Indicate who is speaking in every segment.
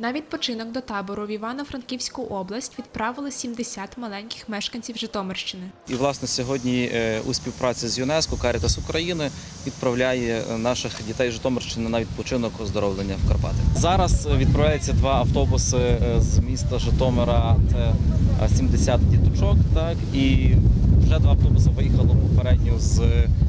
Speaker 1: На відпочинок до табору в Івано-Франківську область відправили 70 маленьких мешканців Житомирщини.
Speaker 2: І, власне, сьогодні у співпраці з ЮНЕСКО Карітас України відправляє наших дітей з Житомирщини на відпочинок оздоровлення в Карпати. Зараз відправляються 2 автобуси з міста Житомира, це 70 діточок, так, і вже 2 автобуси виїхало попередньо з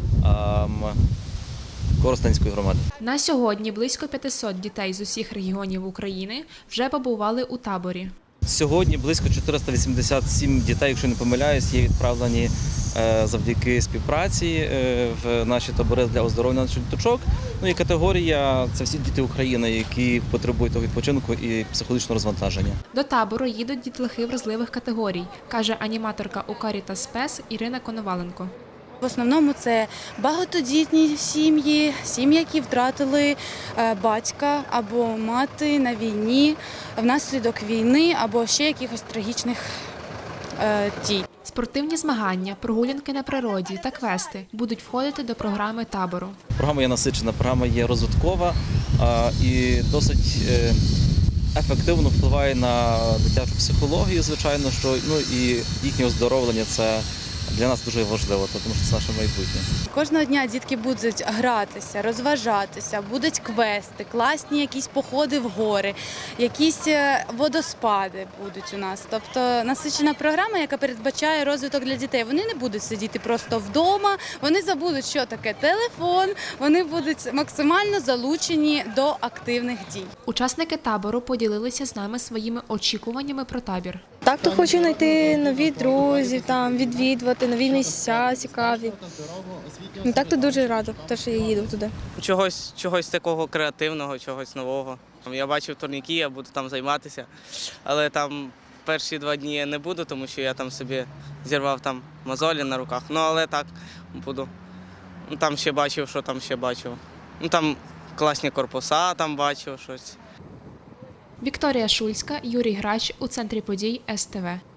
Speaker 2: Коростенської громади.
Speaker 1: На сьогодні близько 500 дітей з усіх регіонів України вже побували у таборі.
Speaker 2: Сьогодні близько 487 дітей, якщо не помиляюсь, є відправлені завдяки співпраці в наші табори для оздоровлення наших діточок. Ну і категорія – це всі діти України, які потребують того відпочинку і психологічного розвантаження.
Speaker 1: До табору їдуть дітлахи вразливих категорій, каже аніматорка у Карітас Спес Ірина Коноваленко.
Speaker 3: В основному це багатодітні сім'ї, сім'ї, які втратили батька або мати на війні, внаслідок війни або ще якихось трагічних дій.
Speaker 1: Спортивні змагання, прогулянки на природі та квести будуть входити до програми табору.
Speaker 2: Програма є насичена, програма є розвиткова і досить ефективно впливає на дитячу психологію, звичайно, що і їхнє оздоровлення – це для нас дуже важливо, тому що це наше майбутнє.
Speaker 3: Кожного дня дітки будуть гратися, розважатися, будуть квести, класні якісь походи в гори, якісь водоспади будуть у нас. Тобто насичена програма, яка передбачає розвиток для дітей. Вони не будуть сидіти просто вдома, вони забудуть, що таке телефон, вони будуть максимально залучені до активних дій.
Speaker 1: Учасники табору поділилися з нами своїми очікуваннями про табір.
Speaker 4: Так, то хочу знайти нові друзів, там відвідувати нові місця цікаві. Так, то дуже рада, що я їду туди.
Speaker 5: Чогось такого креативного, чогось нового. Я бачив турніки, я буду там займатися, але там перші 2 дні я не буду, тому що я там собі зірвав там мозолі на руках. Ну, але так буду. Там ще бачив, що там ще бачив. Там класні корпуса, там бачив щось.
Speaker 1: Вікторія Шульська, Юрій Грач у центрі подій СТВ.